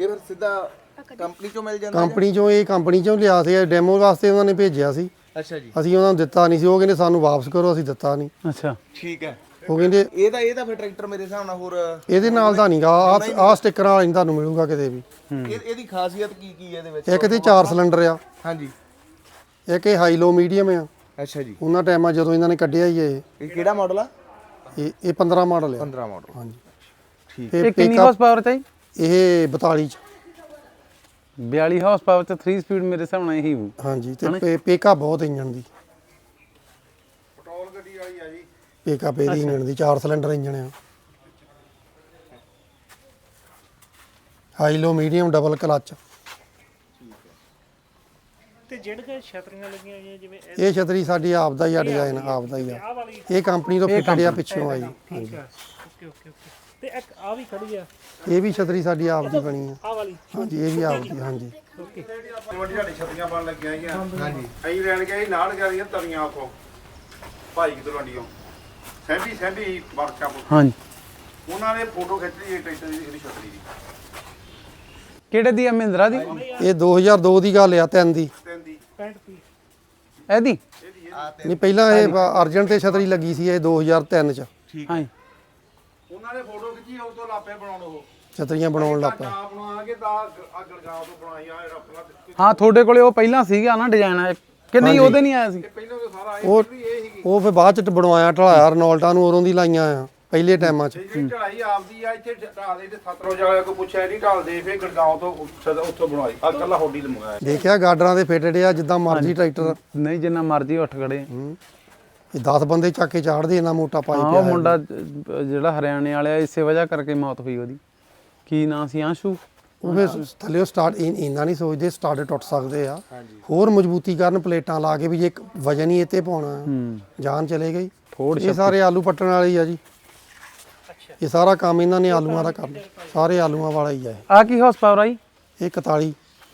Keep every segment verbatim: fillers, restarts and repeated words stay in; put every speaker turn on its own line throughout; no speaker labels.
ਇਹ ਫਿਰ ਸਿੱਧਾ ਕੰਪਨੀ ਚੋਂ ਮਿਲ ਜਾਂਦਾ?
ਕੰਪਨੀ ਚੋਂ, ਇਹ ਕੰਪਨੀ ਚੋਂ ਲਿਆ ਸੀ, ਡੈਮੋ ਵਾਸਤੇ ਉਹਨਾਂ ਨੇ ਭੇਜਿਆ ਸੀ।
ਅੱਛਾ ਜੀ।
ਅਸੀਂ ਉਹਨਾਂ ਨੂੰ ਦਿੱਤਾ ਨਹੀਂ ਸੀ, ਉਹ ਕਹਿੰਦੇ ਸਾਨੂੰ ਵਾਪਸ ਕਰੋ, ਅਸੀਂ ਦਿੱਤਾ ਨਹੀਂ।
ਅੱਛਾ
ਠੀਕ ਹੈ।
ਉਹ ਕਹਿੰਦੇ
ਇਹ ਤਾਂ ਇਹ ਤਾਂ ਫਿਰ ਟਰੈਕਟਰ ਮੇਰੇ ਹਿਸਾਬ ਨਾਲ ਹੋਰ
ਇਹਦੇ ਨਾਲ ਤਾਂ ਨਹੀਂਗਾ, ਆ ਆ ਸਟਿੱਕਰ ਵਾਲਾ ਨਹੀਂ ਤੁਹਾਨੂੰ ਮਿਲੂਗਾ ਕਿਤੇ ਵੀ।
ਇਹ ਇਹਦੀ ਖਾਸੀਅਤ ਕੀ ਕੀ ਹੈ ਇਹਦੇ ਵਿੱਚ?
ਇੱਕ ਤੇ ਚਾਰ ਸਿਲੰਡਰ ਆ।
ਹਾਂਜੀ।
ਇੱਕ ਇਹ ਹਾਈ ਲੋ ਮੀਡੀਅਮ ਆ।
ਅੱਛਾ ਜੀ।
ਉਹਨਾਂ ਟਾਈਮਾਂ ਜਦੋਂ ਇਹਨਾਂ ਨੇ ਕੱਢਿਆ ਹੀ ਇਹ
ਇਹ ਕਿਹੜਾ ਮਾਡਲ ਆ?
ਇਹ ਇਹ ਪੰਦਰਾਂ ਮਾਡਲ ਆ।
ਪੰਦਰਾਂ ਮਾਡਲ।
ਹਾਂਜੀ
ਠੀਕ।
ਇਹ ਕਿੰਨੀ ਹਾਰਸ ਪਾਵਰ ਚਾਹੀ?
ਇਹ ਬਤਾਲੀ ਚ
ਬਿਆਲੀ ਹਾਰਸ ਪਾਵਰ ਚ ਥ੍ਰੀ ਸਪੀਡ ਮੇਰੇ ਹਿਸਾਬ ਨਾਲ ਇਹੀ ਹੋਊ।
ਹਾਂਜੀ। ਤੇ ਪੇਕਾ ਬਹੁਤ ਇੰਜਣ ਦੀ,
ਪੈਟਰੋਲ ਗੱਡੀ ਵਾਲੀ ਆ ਜੀ।
ਪੇਕਾ ਇਹਦੀ ਇੰਜਣ ਦੀ, ਚਾਰ ਸਿਲੰਡਰ ਇੰਜਣ ਆ। High low medium double clutch.
ਤੇ ਜਿਹੜੇ ਛਤਰੀਆਂ ਲੱਗੀਆਂ ਹੋਈਆਂ ਜਿਵੇਂ
ਇਹ ਛਤਰੀ ਸਾਡੀ ਆਪ ਦਾ ਹੀ ਆ, ਡਿਜ਼ਾਈਨ ਆਪ ਦਾ ਹੀ ਆ। ਇਹ ਕੰਪਨੀ ਤੋਂ ਫਿੱਟਡ ਆ, ਪਿੱਛੋਂ ਆਈ।
ਠੀਕ ਆ। Okay okay okay. ਤੇ ਇੱਕ ਆ ਵੀ ਖੜੀ ਆ,
ਇਹ ਵੀ ਛਤਰੀ ਸਾਡੀ ਆਪ ਦੀ ਬਣੀ ਆ।
ਆ ਵਾਲੀ।
ਹਾਂਜੀ, ਇਹ ਵੀ ਆਪ ਦੀ। ਹਾਂਜੀ।
ਓਕੇ।
ਵੱਡੀ ਸਾਡੀ ਛਤਰੀਆਂ ਬਣ ਲੱਗੀਆਂ ਹੈਗੀਆਂ। ਹਾਂਜੀ। ਅਸੀਂ ਲੈਣ ਗਏ ਨਾਲ ਗਈਆਂ ਤਰੀਆਂ ਉਥੋਂ ਭਾਈ ਕਿਤੋਂ ਲੰਡੀਆਂ ਸੈਂਡੀ ਸੈਂਡੀ ਵਰਕਸ਼ਾਪ।
ਹਾਂਜੀ।
ਉਹਨਾਂ ਨੇ ਫੋਟੋ ਖਿੱਚ ਲਈ ਟਰੈਕਟਰ ਦੀ ਇਹਦੀ ਛਤਰੀ ਦੀ।
ਕਿਹੜੇ ਦੀ ਆ? ਮਹਿੰਦਰਾ ਦੀ?
ਇਹ ਦੋ ਹਜ਼ਾਰ ਦੋ ਦੀ ਗੱਲ ਆ, ਤਿੰਨ ਦੀ।
ਤਿੰਨ ਦੀ
ਪੈਂਟ ਪੀ
ਇਹਦੀ?
ਨਹੀਂ, ਪਹਿਲਾਂ ਇਹ ਅਰਜਨ ਤੇ ਛਤਰੀ ਲੱਗੀ ਸੀ, ਇਹ ਦੋ ਹਜ਼ਾਰ ਤਿੰਨ ਚ
ਹਾਂਜੀ।
ਉਹਨਾਂ ਨੇ ਫੋਟੋ ਖਿੱਚੀ, ਉਹ ਤੋਂ ਲਾਪੇ ਬਣਾਉਣ ਉਹ
ਛਤਰੀਆਂ ਬਣਾਉਣ ਲੱਗ ਪਏ।
ਆਪ ਬਣਾਵਾਂਗੇ ਤਾਂ ਗੜਗਾਉਂ ਤੋਂ ਬਣਾਈ ਆ ਜਿਹੜਾ
ਹਾਂ, ਤੁਹਾਡੇ ਕੋਲੇ ਉਹ ਪਹਿਲਾਂ ਸੀਗਾ ਨਾ ਡਿਜ਼ਾਈਨ ਕਿ ਨਹੀਂ? ਉਹਦੇ ਨਹੀਂ ਆਇਆ ਸੀ?
ਪਹਿਲਾਂ ਤਾਂ ਸਾਰਾ
ਉਹ
ਇਹ ਸੀਗੀ
ਉਹ ਫਿਰ ਬਾਅਦ ਚ ਬਣਵਾਇਆ, ਢਲਾਇਆ ਰਨੋਲਟਾਂ ਨੂੰ, ਉਰੋਂ ਦੀ ਲਾਈਆਂ ਆ ਪਹਿਲੇ ਟਾਈਮਾਂ ਚ।
ਜਿਹੜੀ ਢਲਾਈ ਆਪਦੀ ਆ। ਇੱਥੇ ਢਾਲਦੇ ਤੇ ਸਤਰੋਂ ਜਾ ਕੇ ਪੁੱਛਿਆ ਨਹੀਂ ਢਾਲਦੇ, ਫਿਰ ਗੜਗਾਉਂ ਤੋਂ ਉੱਥੋਂ ਬਣਵਾਈ। ਆ ਕੱਲਾ ਹੋਡੀ ਤੇ ਮੰਗਾਇਆ।
ਦੇਖਿਆ ਗਾਡਰਾਂ ਦੇ ਫਿੱਟਡ ਆ, ਜਿੱਦਾਂ ਮਰਜ਼ੀ ਟਰੈਕਟਰ।
ਨਹੀਂ, ਜਿੰਨਾ ਮਰਜ਼ੀ ਉੱਠ ਖੜੇ।
ਇਹ ਦਸ ਬੰਦੇ ਚੱਕ ਕੇ ਚਾੜਦੇ, ਇੰਨਾ ਮੋਟਾ ਪਾਈ
ਹਾਂ,
ਪਿਆ
ਉਹ ਮੁੰਡਾ ਅਹ, ਜਿਹੜਾ ਹਰਿਆਣੇ ਵਾਲਾ, ਇਸੇ ਵਜ੍ਹਾ ਕਰਕੇ ਮੌਤ ਹੋਈ ਉਹਦੀ। ਕੀ ਨਾਂ ਸੀ? ਆਂਸ਼ੂ।
ਉਹ ਫਿਰ ਥੱਲੇ ਸਟਾਰਟ ਇੰਨਾ ਨਹੀਂ ਸੋਚਦੇ, ਸਟਾਰਟ ਟੁੱਟ ਸਕਦੇ ਆ। ਹੋਰ ਮਜ਼ਬੂਤੀ ਕਰਨ, ਪਲੇਟਾਂ ਲਾ ਕੇ ਵੀ ਜੇ ਇੱਕ ਵਜਨ ਹੀ ਇੱਥੇ ਪਾਉਣਾ, ਜਾਨ ਚਲੇ ਗਈ। ਇਹ ਸਾਰੇ ਆਲੂ ਪੱਟਣ ਵਾਲੇ ਹੀ ਆ ਜੀ। ਇਹ ਸਾਰਾ ਕੰਮ ਇਹਨਾਂ ਨੇ ਆਲੂਆਂ ਦਾ ਕਰਨਾ, ਸਾਰੇ ਆਲੂਆਂ ਵਾਲਾ ਹੀ ਆ।
ਆ ਕੀ ਹਾਰਸ ਪਾਵਰ ਆਈ?
ਇਹ ਇਕਤਾਲੀ।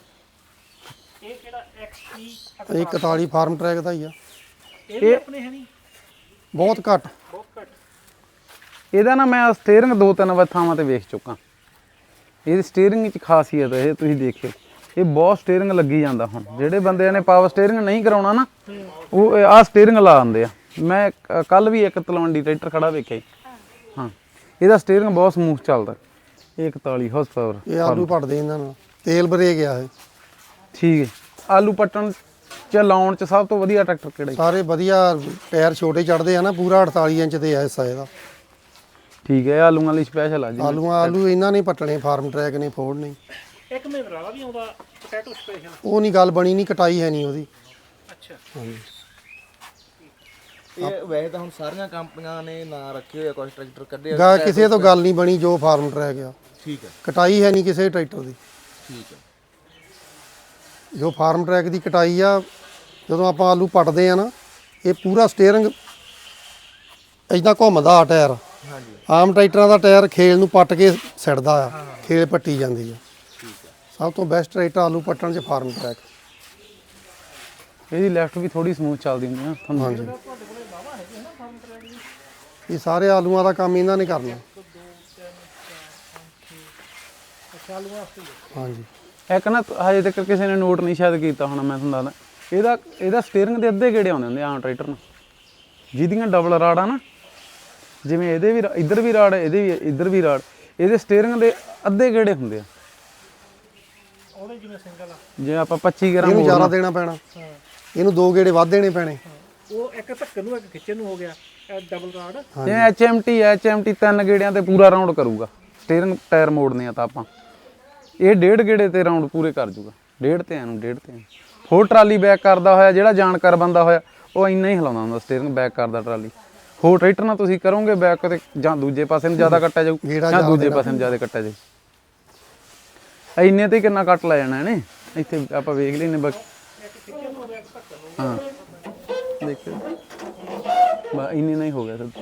ਇਹ ਕਿਹੜਾ ਐਕਸਪੀ?
ਇਹ ਇਕਤਾਲੀ ਫਾਰਮ ਟਰੈਕ ਦਾ ਹੀ ਆ।
ਇਹ ਵੀ ਆਪਣੇ ਹੈ ਨਹੀਂ?
ਬਹੁਤ ਘੱਟ।
ਬਹੁਤ ਘੱਟ।
ਇਹਦਾ ਨਾ ਮੈਂ ਸਟੀਅਰਿੰਗ ਦੋ ਤਿੰਨ ਥਾਵਾਂ ਤੇ ਵੇਖ ਚੁੱਕਾ। ਇਹਦੀ ਸਟੀਅਰਿੰਗ ਵਿੱਚ ਖਾਸੀਅਤ ਇਹ ਤੁਸੀਂ ਦੇਖਿਓ, ਇਹ ਬਹੁਤ ਸਟੀਅਰਿੰਗ ਲੱਗੀ ਜਾਂਦਾ। ਹੁਣ ਜਿਹੜੇ ਬੰਦਿਆਂ ਨੇ ਪਾਵਰ ਸਟੀਅਰਿੰਗ ਨਹੀਂ ਕਰਾਉਣਾ ਨਾ, ਉਹ ਆਹ ਸਟੀਅਰਿੰਗ ਲਾ ਦਿੰਦੇ ਆ। ਮੈਂ ਕੱਲ ਵੀ ਇੱਕ ਤਲਵੰਡੀ ਟਰੈਕਟਰ ਖੜਾ ਵੇਖਿਆ ਜੀ। ਹਾਂ, ਇਹਦਾ ਸਟੀਅਰਿੰਗ ਬਹੁਤ ਸਮੂਥ ਚੱਲਦਾ। ਇਹ ਇਕਤਾਲੀ ਹਾਰਸ ਪਾਵਰ।
ਇਹ ਆਲੂ ਪੱਟਦੇ ਇਹਨਾਂ ਨਾਲ, ਤੇਲ ਬਰੇਕ ਆ ਇਹ।
ਠੀਕ ਹੈ। ਆਲੂ ਪੱਟਣ ਚ ਲਾਉਣ ਚ ਸਭ ਤੋਂ ਵਧੀਆ ਟਰੈਕਟਰ ਕਿਹੜਾ?
ਸਾਰੇ ਵਧੀਆ, ਟਾਇਰ ਛੋਟੇ ਚੜਦੇ ਆ ਨਾ, ਪੂਰਾ ਅੜਤਾਲੀ ਇੰਚ ਦੇ ਆ ਹਿੱਸਾ ਇਹਦਾ।
ਠੀਕ ਹੈ, ਆਲੂਆਂ ਲਈ ਸਪੈਸ਼ਲ ਆ ਜੀ।
ਆਲੂਆਂ ਆਲੂ ਇਹਨਾਂ ਨੇ ਪੱਟਣੇ, ਫਾਰਮ ਟਰੈਕ ਨੇ, ਫੋਰਡ ਨਹੀਂ।
ਇੱਕ ਮਹਿੰਦਰਾ ਵਾਲਾ ਵੀ ਆਉਂਦਾ ਪੋਟੈਟੋ ਸਪੈਸ਼ਲ।
ਉਹ ਨਹੀਂ ਗੱਲ ਬਣੀ, ਨਹੀਂ ਕਟਾਈ ਹੈ ਨਹੀਂ ਉਹਦੀ।
ਅੱਛਾ।
ਹਾਂਜੀ।
ਇਹ ਵੈਸੇ ਤਾਂ ਹੁਣ ਸਾਰੀਆਂ ਕੰਪਨੀਆਂ ਨੇ ਨਾਂ ਰੱਖੇ ਹੋਏ ਆ, ਕੁਝ ਟਰੈਕਟਰ ਕੱਢੇ ਆ।
ਗਾ ਕਿਸੇ ਤੋਂ ਗੱਲ ਨਹੀਂ ਬਣੀ ਜੋ ਫਾਰਮ ਟਰੈਕ ਆ।
ਠੀਕ ਹੈ।
ਕਟਾਈ ਹੈ ਨਹੀਂ ਕਿਸੇ ਟਰੈਕਟਰ ਦੀ।
ਠੀਕ ਹੈ।
ਜੋ ਫਾਰਮ ਟਰੈਕ ਦੀ ਕਟਾਈ ਆ, ਜਦੋਂ ਆਪਾਂ ਆਲੂ ਪੱਟਦੇ ਆ ਨਾ, ਇਹ ਪੂਰਾ ਸਟੀਅਰਿੰਗ ਇਦਾਂ ਘੁੰਮਦਾ ਆ ਟਾਇਰ।
ਹਾਂਜੀ।
ਆਮ ਟਰੈਕਟਰਾਂ ਦਾ ਟਾਇਰ ਖੇਲ ਨੂੰ ਪੱਟ ਕੇ ਸਿੱਟਦਾ ਆ, ਖੇਲ ਪੱਟੀ ਜਾਂਦੀ ਆ। ਸਭ ਤੋਂ ਬੈਸਟ ਟਰੈਕਟਰ ਆਲੂ ਪੱਟਣ 'ਚ ਫਾਰਮ ਟਰੈਕ।
ਇਹਦੀ ਲੈਫਟ ਵੀ ਥੋੜੀ ਸਮੂਥ ਚੱਲਦੀ ਹੁੰਦੀ ਆ ਤੁਹਾਨੂੰ।
ਹਾਂਜੀ। ਇਹ ਸਾਰੇ ਆਲੂਆਂ ਦਾ ਕੰਮ ਇਹਨਾਂ ਨੇ ਕਰਨਾ। ਹਾਂਜੀ।
ਇੱਕ ਨਾ ਹਜੇ ਤੱਕ ਕਿਸੇ ਨੇ ਨੋਟ ਨਹੀਂ ਸ਼ਾਇਦ ਕੀਤਾ ਹੋਣਾ, ਮੈਂ ਤੁਹਾਨੂੰ ਦੱਸਦਾ। ਇਹਦਾ ਇਹਦਾ ਸਟੀਅਰਿੰਗ ਦੇ ਅੱਧੇ ਗੇੜੇ ਆਉਂਦੇ ਹੁੰਦੇ ਆਮ ਟਰੈਕਟਰ ਨੂੰ, ਜਿਹਦੀਆਂ ਡਬਲ ਰਾੜਾਂ ਨਾ, ਜਿਵੇਂ ਇਹਦੇ ਵੀ ਇੱਧਰ ਵੀ ਰਾੜ, ਇਹਦੇ ਵੀ ਇੱਧਰ ਵੀ ਰਾੜ, ਇਹਦੇ ਸਟੀਅਰਿੰਗ ਦੇ ਅੱਧੇ ਗੇੜੇ ਹੁੰਦੇ ਆ।
ਉਹਦੇ ਜਿਵੇਂ ਸਿੰਗਲ ਆ,
ਜੇ ਆਪਾਂ ਪੱਚੀ ਗ੍ਰਾਮ
ਇਹਨੂੰ ਜ਼ਿਆਦਾ ਦੇਣਾ ਪੈਣਾ, ਇਹਨੂੰ ਦੋ ਗੇੜੇ ਵੱਧ ਦੇਣੇ ਪੈਣੇ।
ਉਹ ਇੱਕ ਧੱਕਣ ਨੂੰ ਇੱਕ ਖਿੱਚਣ ਨੂੰ ਹੋ ਗਿਆ। ਡਬਲ ਰਾਡ
ਜਿਵੇਂ H M T H M T ਤਿੰਨ ਗੇੜਿਆਂ ਤੇ ਪੂਰਾ ਰਾਉਂਡ ਕਰੂਗਾ। ਸਟੀਅਰਿੰਗ ਟਾਇਰ ਮੋੜਨੇ ਆ ਤਾਂ ਆਪਾਂ, ਇਹ ਡੇਢ ਗੇੜੇ ਤੇ ਰਾਉਂਡ ਪੂਰੇ ਕਰ ਜੂਗਾ। ਡੇਢ ਤੇ ਇਹਨੂੰ ਡੇਢ ਤੇ ਹੋਰ ਟਰਾਲੀ ਬੈਕ ਕਰਦਾ ਹੋਇਆ, ਜਿਹੜਾ ਜਾਣਕਾਰ ਬੰਦਾ ਹੋਇਆ, ਉਹ ਇੰਨਾ ਹੀ ਹਿਲਾਉਂਦਾ ਹੁੰਦਾ ਸਟੀਅਰਿੰਗ ਬੈਕ ਕਰਦਾ ਟਰਾਲੀ। ਹੋਰ ਟਰੈਕਟਰ ਨਾਲ ਤੁਸੀਂ ਕਰੋਗੇ ਬੈਕ ਤੇ, ਜਾਂ ਦੂਜੇ ਪਾਸੇ ਨੂੰ ਜ਼ਿਆਦਾ ਕੱਟਿਆ ਜਾਊ, ਜਾਂ ਦੂਜੇ ਪਾਸੇ ਨੂੰ ਜ਼ਿਆਦਾ ਕੱਟਿਆ ਜਾਊ। ਇੰਨੇ ਤੇ ਕਿੰਨਾ ਕੱਟ ਲੈ ਜਾਣਾ ਇਹਨੇ। ਇੱਥੇ ਆਪਾਂ ਵੇਖ ਲੈਨੇ ਬਾਕੀ। ਹਾਂ, ਦੇਖਿਓ ਬਾ ਇੰਨੇ ਨਹੀਂ ਹੋ ਗਿਆ ਸਰ।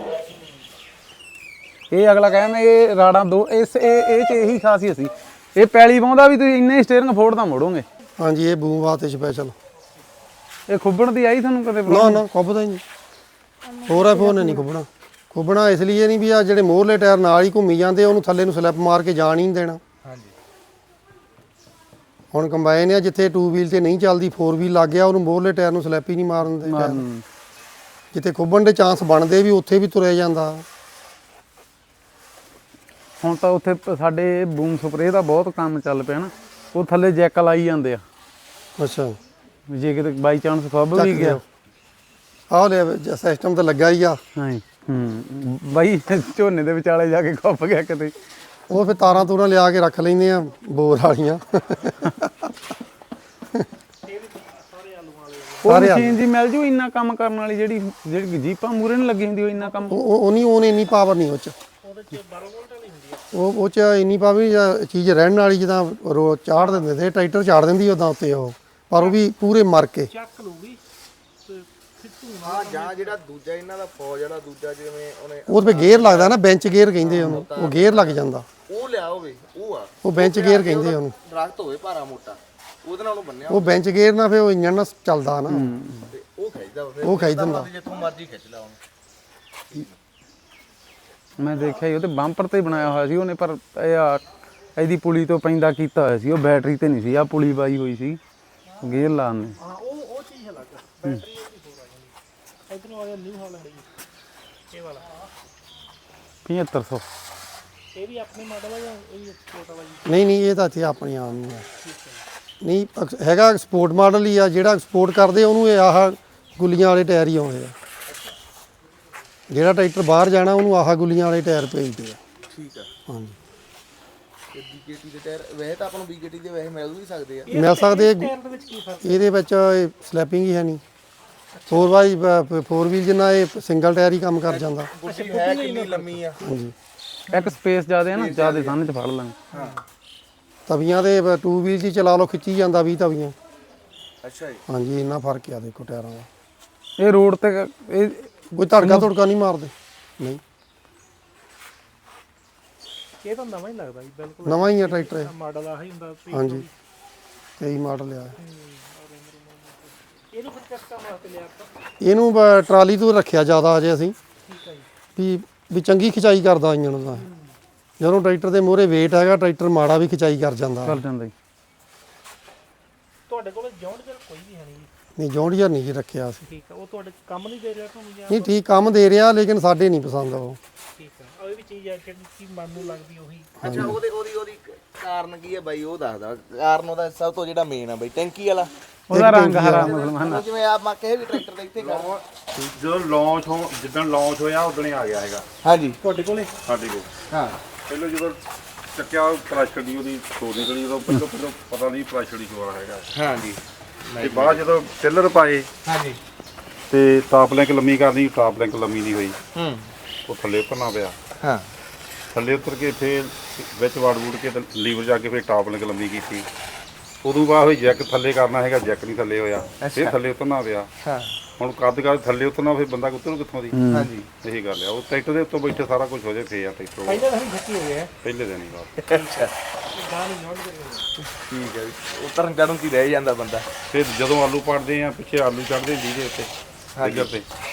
ਇਹ ਅਗਲਾ ਕਹਿੰਦਾ ਇਹ ਰਾੜਾਂ ਦੋ, ਇਸ ਇਹ ਇਹ ਚ ਇਹੀ ਖਾਸੀਅਤ ਸੀ। ਇਹ ਪੈਲੀ ਪਾਉਂਦਾ ਵੀ ਤੁਸੀਂ ਇੰਨੇ ਸਟੀਅਰਿੰਗ ਫੋੜਦਾ ਮੋੜੋਗੇ।
ਹਾਂਜੀ, ਇਹ ਬੂਮ ਵਾਸਤੇ ਸਪੈਸ਼ਲ।
ਇਹ ਖੁੱਬਣ ਦੀ ਆਈ ਤੁਹਾਨੂੰ ਕਦੇ?
ਨਾ ਨਾ, ਖੁੱਬਦਾ ਹੀ ਨਹੀਂ। ਹੋਰ ਐਫ ਉਹਨੇ ਨਹੀਂ ਖੁੱਬਣਾ। ਖੁੱਬਣਾ ਇਸ ਲਈ ਨਹੀਂ ਵੀ ਆ ਜਿਹੜੇ ਮੋਹਰਲੇ ਟਾਇਰ ਨਾਲ ਹੀ ਘੁੰਮੀ ਜਾਂਦੇ, ਉਹਨੂੰ ਥੱਲੇ ਨੂੰ ਸਲਿੱਪ ਮਾਰ ਕੇ ਜਾਣ ਹੀ ਨਹੀਂ ਦੇਣਾ।
ਹਾਂਜੀ।
ਹੁਣ ਕੰਬਾਈਨ ਆ ਜਿੱਥੇ ਟੂ ਵੀਲ ਤੇ ਨਹੀਂ ਚੱਲਦੀ ਫੋਰ ਵੀਲ ਲੱਗ ਗਿਆ ਉਹਨੂੰ ਮੋਹਰਲੇ ਟਾਇਰ ਨੂੰ ਸਲੈਪ ਹੀ ਨਹੀਂ ਮਾਰਨ ਦੇ ਟਾਇਰ। ਜਿੱਥੇ ਖੁੱਬਣ ਦੇ ਚਾਂਸ ਬਣਦੇ ਵੀ ਉੱਥੇ ਵੀ ਤੁਰਿਆ ਜਾਂਦਾ।
ਹੁਣ ਤਾਂ ਉੱਥੇ ਪ- ਸਾਡੇ ਬੂਮ ਸਪਰੇਅ ਦਾ ਬਹੁਤ ਕੰਮ ਚੱਲ ਪਿਆ ਨਾ, ਉਹ ਥੱਲੇ ਜੈਕ ਲਾਈ ਜਾਂਦੇ ਆ
ਅੱਛਾ
ਵੀ ਜੇ ਕਿਤੇ ਬਾਈ ਚਾਂਸ ਖੁੱਬ ਵੀ ਗਿਆ।
ਆਹ ਲੈ ਸਿਸਟਮ ਤਾਂ ਲੱਗਾ ਹੀ ਆ।
ਹਾਂ ਹੂੰ ਬਾਈ ਝੋਨੇ ਦੇ ਵਿਚਾਲੇ ਜਾ ਕੇ ਖੁੱਬ ਗਿਆ ਕਿਤੇ।
ਉਹ ਫਿਰ ਤਾਰਾਂ ਤੂਰਾਂ ਲਿਆ ਕੇ ਰੱਖ ਲੈਂਦੇ ਆ ਬੋਰ ਵਾਲੀਆਂ।
ਉਹ ਮਸ਼ੀਨ ਜੀ ਮਿਲ ਜੂ ਇੰਨਾ ਕੰਮ ਕਰਨ ਵਾਲੀ, ਜਿਹੜੀ ਜਿਹੜੀ ਜੀਪਾਂ ਮੂਰੇ ਨਹੀਂ ਲੱਗੀ ਹੁੰਦੀ ਉਹ ਇੰਨਾ ਕੰਮ।
ਉਹ ਉਹ ਨਹੀਂ ਉਹਨੇ ਇੰਨੀ ਪਾਵਰ ਨਹੀਂ ਉਹ ਚ। ਉਹ ਉਹ ਚ ਇੰਨੀ ਪਾਵਰ ਜਾਂ ਚੀਜ਼ ਰਹਿਣ ਵਾਲੀ ਜਿੱਦਾਂ ਰੋ ਚਾੜ ਦਿੰਦੇ ਤੇ ਟਰੈਕਟਰ ਚਾੜ ਦਿੰਦੀ ਉਦਾਂ ਉੱਤੇ ਉਹ, ਪਰ ਉਹ ਵੀ ਪੂਰੇ ਮਰ ਕੇ।
ਚੱਕ ਲੂਗੀ ਤੇ ਫਿੱਟੂ
ਹਾਂ ਜਾਂ ਜਿਹੜਾ ਦੂਜਾ ਇਹਨਾਂ ਦਾ ਫੌਜ ਵਾਲਾ ਦੂਜਾ ਜਿਵੇਂ ਉਹਨੇ
ਉਹ ਤੇ ਗੇਅਰ ਲੱਗਦਾ ਨਾ, ਬੈਂਚ ਗੇਅਰ ਕਹਿੰਦੇ ਉਹਨੂੰ, ਉਹ ਗੇਅਰ ਲੱਗ ਜਾਂਦਾ।
ਉਹ ਲਿਆ ਹੋਵੇ ਉਹ ਆ
ਉਹ ਬੈਂਚ ਗੇਅਰ ਕਹਿੰਦੇ ਉਹਨੂੰ।
ਦਰਖਤ ਹੋਵੇ ਭਾਰਾ ਮੋਟਾ ਉਹਦੇ ਨਾਲ ਉਹਨੂੰ ਬੰਨਿਆ
ਉਹ ਬੈਂਚ ਗੇਅਰ ਨਾਲ ਫਿਰ ਉਹ ਇੰਜਣ ਨਾਲ ਚੱਲਦਾ ਨਾ,
ਤੇ ਉਹ ਖਿੱਚਦਾ ਫਿਰ
ਉਹ ਖਿੱਚ ਦਿੰਦਾ।
ਜਿੱਥੋਂ ਮਰਜ਼ੀ ਖਿੱਚ ਲਾ ਉਹਨੂੰ।
ਮੈਂ ਦੇਖਿਆ ਸੀ ਉਹ ਤੇ ਬੰਪਰ ਤੇ ਬਣਾਇਆ ਹੋਇਆ ਸੀ ਉਹਨੇ, ਪਰ ਇਹ ਆ ਇਹਦੀ ਪੁਲੀ ਤੋਂ ਪੈਂਦਾ ਕੀਤਾ ਹੋਇਆ ਸੀ, ਉਹ ਬੈਟਰੀ ਤੇ ਨਹੀਂ ਸੀ, ਆ ਪੁਲੀ ਬਾਈ ਹੋਈ ਸੀ ਗੇਅਰ ਲਾਉਣ ਨੇ।
ਹਾਂ ਉਹ ਉਹ ਚੀਜ਼ ਅਲੱਗ ਆ, ਬੈਟਰੀ ਉਹਦੀ ਹੋਰ ਆ ਜਾਂਦੀ। ਇਧਰੋਂ ਆ ਗਿਆ ਨਿਊ ਹਾਲੈਂਡ ਜੀ, ਇਹ ਵਾਲਾ
ਪਝੱਤਰ ਸੌ।
ਇਹ ਵੀ ਆਪਣੇ ਮਾਡਲ ਆ ਜਾਂ ਇਹ ਵੀ ਐਕਸਪੋਰਟ ਵਾਲਾ ਜੀ?
ਨਹੀਂ ਨਹੀਂ ਇਹ ਤਾਂ ਇੱਥੇ ਆਪਣੀ ਆਮ ਹੀ ਆ। ਨਹੀਂ ਅਕਸ- ਹੈਗਾ ਸਪੋਰਟ ਮਾਡਲ ਹੀ ਆ, ਜਿਹੜਾ ਐਕਸਪੋਰਟ ਕਰਦੇ ਉਹਨੂੰ ਇਹ ਆਹ ਗੁੱਲੀਆਂ ਵਾਲੇ ਟਾਇਰ ਹੀ ਆਉਂਦੇ ਆ। ਜਿਹੜਾ ਟਰੈਕਟਰ ਬਾਹਰ ਜਾਣਾ ਉਹਨੂੰ ਆਹ ਗੁੱਲੀਆਂ ਵਾਲੇ ਟਾਇਰ ਭੇਜਦੇ ਆ।
ਠੀਕ ਆ।
ਹਾਂਜੀ
ਤੇ ਬੀਕੇਟੀ ਦੇ ਟਾਇਰ ਵੈਸੇ ਤਾਂ ਆਪਾਂ ਨੂੰ ਬੀਕੇਟੀ ਦੇ ਵੈਸੇ ਮਿਲ ਵੀ ਸਕਦੇ ਆ।
ਮਿਲ ਸਕਦੇ।
ਟਾਇਰ ਦੇ ਵਿੱਚ ਕੀ ਫਰਕ?
ਇਹਦੇ ਵਿੱਚ ਸਲੈਪਿੰਗ ਹੀ ਹੈ ਨਹੀਂ। ਫੋਰ ਬਾਈ ਫੋਰ ਵੀਲ ਜਿੰਨਾ ਇਹ ਸਿੰਗਲ ਟਾਇਰ ਹੀ ਕੰਮ ਕਰ ਜਾਂਦਾ।
ਗੁੱਡੀ ਹੈ ਕਿੰਨੀ ਲੰਮੀ ਆ।
ਹਾਂਜੀ
ਇੱਕ ਸਪੇਸ ਜ਼ਿਆਦਾ ਹੈ ਨਾ, ਜ਼ਿਆਦਾ ਸੰਨ ਚ ਫੜ ਲਾਂਗੇ।
ਤਵੀਆਂ ਦੇ ਟੂ ਵੀਲ 'ਚ ਹੀ ਚਲਾ ਲਓ, ਖਿੱਚੀ ਜਾਂਦਾ ਵੀਹ ਤਵੀਆਂ।
ਅੱਛਾ ਜੀ।
ਹਾਂਜੀ ਇੰਨਾ ਫਰਕ ਆ ਦੇਖੋ ਟਾਇਰਾਂ ਦਾ।
ਇਹ ਰੋਡ ਤੇ ਇਹ
ਕੋਈ ਧੜਕਾ ਧੜਕਾ ਨਹੀਂ ਮਾਰਦੇ। ਨਹੀਂ
ਇਹ ਤਾਂ ਨਵਾਂ ਹੀ ਲੱਗਦਾ ਜੀ, ਬਿਲਕੁਲ
ਨਵਾਂ ਹੀ ਆ ਟਰੈਕਟਰ ਇਹ।
ਮਾਡਲ ਆਹੀ ਹੁੰਦਾ ਸੀ।
ਹਾਂਜੀ ਤੇਈ ਮਾਡਲ ਆ।
ਇਹਨੂੰ ਫਿਰ ਕਿਸ ਕੰਮ ਵਾਸਤੇ ਲਿਆ ਆਪਾਂ?
ਇਹਨੂੰ ਬ- ਟਰਾਲੀ ਤੋਂ ਰੱਖਿਆ ਜ਼ਿਆਦਾ ਅਜੇ ਅਸੀਂ,
ਠੀਕ ਹੈ ਜੀ।
ਵੀ ਵੀ ਚੰਗੀ ਖਿਚਾਈ ਕਰਦਾ ਇੰਜਣ ਦਾ। ਜਦੋਂ ਟਰੈਕਟਰ ਦੇ ਮੂਹਰੇ weight ਹੈਗਾ, ਟਰੈਕਟਰ ਮਾੜਾ ਵੀ ਖਿਚਾਈ ਕਰ ਜਾਂਦਾ।
ਚੱਲ ਜਾਂਦਾ ਜੀ।
ਤੁਹਾਡੇ ਕੋਲ ਜੌਂਡ ਜਰ ਕੋਈ ਵੀ ਹੈ ਨਹੀਂ ਜੀ?
ਨਹੀਂ ਜੌਂਡੀਅਰ ਨਹੀਂ ਜੀ ਰੱਖਿਆ ਅਸੀਂ।
ਠੀਕ ਆ, ਉਹ ਤੁਹਾਡੇ ਕੰਮ ਨਹੀਂ ਦੇ ਰਿਹਾ ਤੁਹਾਨੂੰ ਜਾਂ?
ਨਹੀਂ ਠੀਕ ਕੰਮ ਦੇ ਰਿਹਾ, ਲੇਕਿਨ ਸਾਡੇ ਨਹੀਂ ਪਸੰਦ ਉਹ।
ਠੀਕ ਆ, ਉਹ ਵੀ ਚੀਜ਼ ਹੈ ਜਿਹੜੀ ਕੀ ਮਨ ਨੂੰ ਲੱਗਦੀ ਉਹੀ।
ਅੱਛਾ ਉਹਦੇ ਉਹਦੀ ਉਹਦੀ ਕਾਰਨ ਕੀ ਹੈ ਬਾਈ ਉਹ ਦੱਸਦਾ। ਕਾਰਨ ਉਹਦਾ ਸਭ ਤੋਂ ਜਿਹੜਾ ਮੇਨ ਆ ਬਾਈ ਟੈਂਕੀ ਵਾਲਾ।
ਉਹਦਾ ਰੰਗ ਹਰਾ ਮੁਸਲਮਾਨ
ਉਹ ਜਿਵੇਂ ਆਪਾਂ ਕਿਸੇ ਵੀ ਟਰੈਕਟਰ ਦੇ ਇੱਥੇ ਕਰ।
ਜਦੋਂ ਲਾਂਚ ਹੋ ਜਿੱਦਣ ਲਾਂਚ ਹੋਇਆ ਉਦੋਂ ਹੀ ਆ ਗਿਆ ਹੈਗਾ
ਹਾਂਜੀ
ਤੁਹਾਡੇ ਕੋਲੇ?
ਸਾਡੇ ਕੋਲ।
ਹਾਂ
ਪਹਿਲਾਂ ਜਦੋਂ ਚੱਕਿਆ ਪ੍ਰੈਸ਼ਰ ਦੀ ਉਹਦੀ ਸੋਰ ਨਿਕਲੀ, ਉਦੋਂ ਪਹਿਲਾਂ ਪਹਿਲਾਂ ਪਤਾ ਨਹੀਂ ਪ੍ਰੈਸ਼ਰ ਦੀ ਸ਼ੋਰ ਹੈਗਾ।
ਹਾਂਜੀ
ਤੇ ਬਾਅਦ ਜਦੋਂ ਟਿਲਰ ਪਾਏ
ਹਾਂਜੀ
ਤੇ ਟਾਪ ਲਿੰਕ ਲੰਮੀ ਕਰਨੀ, ਟਾਪ ਲਿੰਕ ਲੰਮੀ ਨਹੀਂ ਹੋਈ,
ਹੂੰ
ਉਹ ਥੱਲੇ ਉਤਰਨਾ ਪਿਆ।
ਹਾਂ
ਥੱਲੇ ਉਤਰ ਕੇ ਫੇਰ ਵਿੱਚ ਵੜ ਵੂੜ ਕੇ ਤੇ ਲੀਵਰ ਜਾ ਕੇ ਫੇਰ ਟਾਪ ਲਿੰਕ ਲੰਮੀ ਕੀਤੀ। ਉਦੋਂ ਬਾਅਦ ਹੋਈ ਜੈਕ ਥੱਲੇ ਕਰਨਾ ਹੈਗਾ, ਜੈਕ ਨਹੀਂ ਥੱਲੇ ਹੋਇਆ, ਫੇਰ ਥੱਲੇ ਉਤਰਨਾ ਪਿਆ।
ਹਾਂ
ਹੁਣ ਕੱਦ ਕਰ ਥੱਲੇ ਉਤਰਨਾ, ਫਿਰ ਬੰਦਾ ਉਤਰੂ ਕਿੱਥੋਂ ਦੀ?
ਹਾਂਜੀ
ਇਹੀ ਗੱਲ ਆ। ਉਹ ਟਰੈਕਟਰ ਦੇ ਉੱਤੋਂ ਬੈਠੇ ਸਾਰਾ ਕੁਝ ਹੋ ਜਾਏ ਫੇਰ ਆ ਟਰੈਕਟਰ
ਪਹਿਲੇ ਤਾਂ ਹੀ ਛੱਤੀ ਹੋ ਗਿਆ
ਪਹਿਲੇ ਦਿਨ ਹੀ ਬਾਅਦ।
ਅੱਛਾ
ਗਾਂ ਨਹੀਂ ਜੌਂਡ ਕਰ।
ਠੀਕ ਹੈ ਜੀ। ਉਤਰਨ ਚੜਨ ਕੀ ਰਹਿ ਜਾਂਦਾ ਬੰਦਾ।
ਫਿਰ ਜਦੋਂ ਆਲੂ ਪਾੜਦੇ ਆ ਪਿੱਛੇ ਆਲੂ ਚੜਦੇ ਲੀੜੇ ਉੱਤੇ ਡਿੱਗਰ ਤੇ